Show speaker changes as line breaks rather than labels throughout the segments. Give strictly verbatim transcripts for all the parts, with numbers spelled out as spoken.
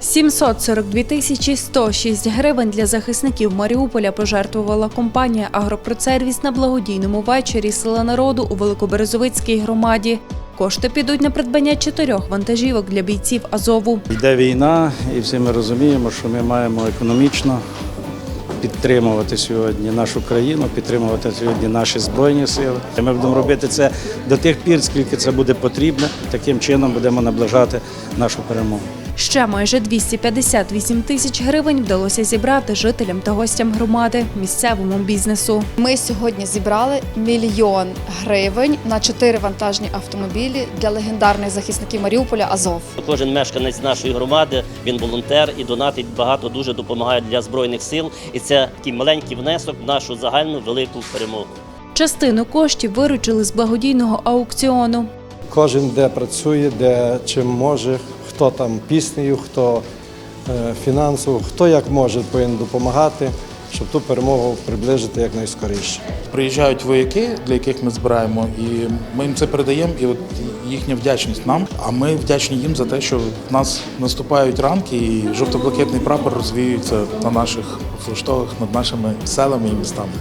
сімсот сорок дві тисячі сто шість гривень для захисників Маріуполя пожертвувала компанія «Агропродсервіс» на благодійному вечорі Сила народу у Великоберезовицькій громаді. Кошти підуть на придбання чотирьох вантажівок для бійців Азову.
Йде війна, і всі ми розуміємо, що ми маємо економічно підтримувати сьогодні нашу країну, підтримувати сьогодні наші Збройні сили. Ми будемо робити це до тих пір, скільки це буде потрібно. Таким чином будемо наближати нашу перемогу.
Ще майже двісті п'ятдесят вісім тисяч гривень вдалося зібрати жителям та гостям громади, місцевому бізнесу.
Ми сьогодні зібрали мільйон гривень на чотири вантажні автомобілі для легендарних захисників Маріуполя «Азов».
Кожен мешканець нашої громади, він волонтер і донатить багато, дуже допомагає для Збройних сил. І це такий маленький внесок в нашу загальну велику перемогу.
Частину коштів виручили з благодійного аукціону.
Кожен де працює, де чим може, хто там піснею, хто е, фінансово, хто як може повинен допомагати, щоб ту перемогу приближити якнайскоріше.
Приїжджають вояки, для яких ми збираємо, і ми їм це передаємо, і от їхня вдячність нам, а ми вдячні їм за те, що в нас наступають ранки і жовто-блакитний прапор розвіюється на наших флагштоках над нашими селами і містами.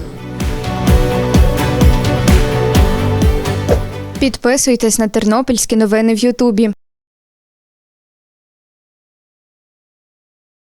Підписуйтесь на тернопільські новини в Ютубі.